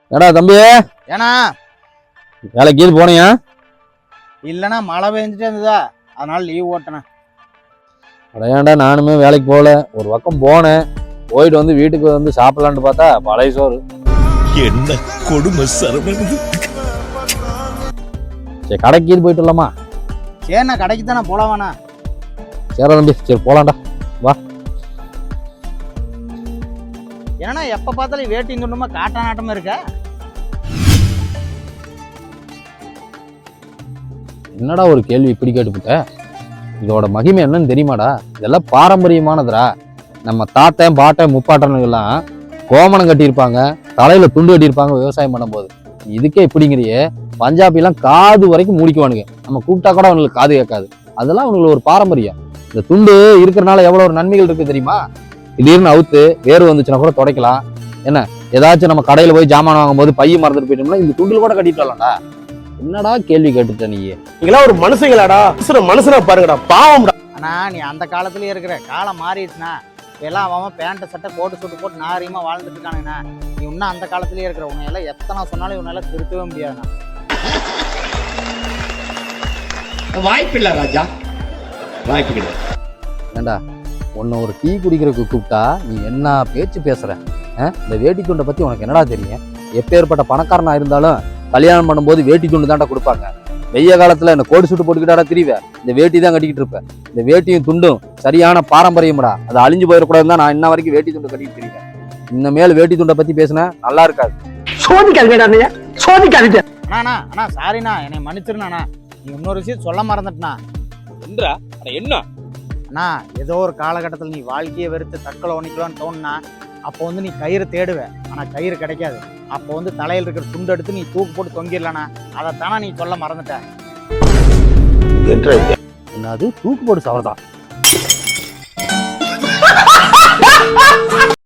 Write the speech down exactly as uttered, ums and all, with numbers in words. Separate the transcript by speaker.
Speaker 1: ஏடா தம்பி,
Speaker 2: ஏன்னா
Speaker 1: வேலைக்கு இது போனியா?
Speaker 2: இல்லைண்ணா மழை பெஞ்சிட்டே இருந்ததா, அதனால லீவ் ஓட்டினேன்.
Speaker 1: அடையாண்டா, நானுமே வேலைக்கு போகல. ஒரு பக்கம் போனேன், போயிட்டு வந்து வீட்டுக்கு வந்து சாப்பிடலான்னு பார்த்தா பழைய சோறு.
Speaker 3: என்ன கொடுமை சரவணன்.
Speaker 1: சரி, கடைக்கு இது போயிட்டு வரலாமா?
Speaker 2: சரிண்ணா, கடைக்கு தானே போலாம் வேணா.
Speaker 1: சரி தம்பி, சரி போலாம்டா, வா.
Speaker 2: ஏன்னா எப்ப பார்த்தாலும் வேட்டி துண்டுமா காட்டா நாட்டமா இருக்க.
Speaker 1: என்னடா ஒரு கேள்வி இப்படி கேட்டுக்கிட்ட? இதோட மகிமை என்னன்னு தெரியுமாடா? இதெல்லாம் பாரம்பரியமானதுடா. நம்ம தாத்தன் பாட்டன் முப்பாட்டனுங்கெல்லாம் கோமணம் கட்டியிருப்பாங்க, தலையில துண்டு கட்டியிருப்பாங்க விவசாயம் பண்ணும்போது. இதுக்கே இப்படிங்கிறியே, பஞ்சாபிலாம் காது வரைக்கும் மூடிக்குவானுங்க. நம்ம கூப்பிட்டா கூட அவங்களுக்கு காது கேட்காது. அதெல்லாம் அவங்களுக்கு ஒரு பாரம்பரியம். இந்த துண்டு இருக்கிறனால எவ்வளவு ஒரு நன்மைகள் இருக்கு தெரியுமா? திடீர்னு அவுத்து வேறு வந்துச்சுன்னா கூட துடைக்கலாம். என்ன, ஏதாச்சும் நம்ம கடையில போய் ஜாமான் வாங்கும் போது பைய மறந்துட்டு போயிட்டோம்னா இந்த துண்டுல கூட கட்டிட்டு வரலாம்டா. என்னடா கேள்வி கேட்டுட்ட நீ?
Speaker 4: நீங்களா ஒரு மனுஷங்களாடா, மனுஷனா பாருங்கடா, பாவம்டா.
Speaker 2: ஆனா நீ அந்த காலத்துலயே இருக்கிற, காலம் மாறிடுச்சுனா எல்லாம் அவன் பேண்ட் சட்டை போட்டு சுட்டு போட்டு நாகரீகமா வாழ்ந்துட்டு இருக்கானுங்கண்ணா. நீ இன்னும் அந்த காலத்திலேயே இருக்கிற. உன்னை எல்லாம் எத்தனை சொன்னாலும் இவனால திருத்தவே முடியாதுண்ணா.
Speaker 4: வாய்ப்பு இல்ல ராஜா, வாய்ப்பு கிடையாது.
Speaker 1: ஏண்டா, உன்னை ஒரு டீ குடிக்கிறதுக்கு கூப்பிட்டா நீ என்ன பேச்சு பேசுற? இந்த வேட்டி துண்டை பத்தி உனக்கு என்னடா தெரியும்? எப்பேற்பட்ட பணக்காரனா இருந்தாலும் கல்யாணம் பண்ணும்போது வேட்டி துண்டு தான்டா கொடுப்பாங்க. வெய்ய காலத்துல என்ன கோடி சுட்டு போட்டுக்கிட்டாடா திரிவ, இந்த வேட்டி தான் கட்டிக்கிட்டு இருப்பேன். இந்த வேட்டியும் துண்டும் சரியான பாரம்பரியம்டா. அதை அழிஞ்சு போயிடக்கூடாதுன்னு தான் நான் இன்ன வரைக்கும் வேட்டி துண்டு கட்டிட்டு திரிவேன். இன்னமேல் வேட்டி துண்டை பத்தி பேசினா நல்லா இருக்காது.
Speaker 4: சோதிக்காதீங்க, சோதிக்காதீங்க.
Speaker 2: அண்ணா அண்ணா சாரிண்ணா, என்னை மன்னிச்சிருண்ணா. நீ இன்னொரு விஷயம் சொல்ல மறந்துட்டா.
Speaker 1: என்ன
Speaker 2: அண்ணா, ஏதோ ஒரு காலகட்டத்தில் நீ வாழ்க்கையை வெறுத்து தற்கொலை பண்ணிக்கலான்னு தோணுனா அப்போ வந்து நீ கயிறு தேடுவ, ஆனா கயிறு கிடைக்காது. அப்போ வந்து தலையில் இருக்கிற துண்டு எடுத்து நீ தூக்கு போட்டு தொங்கிடலண்ணா. அதைத்தானா நீ சொல்ல மறந்துட்ட.
Speaker 1: என்னது தூக்கு போட்டு சவரதான்?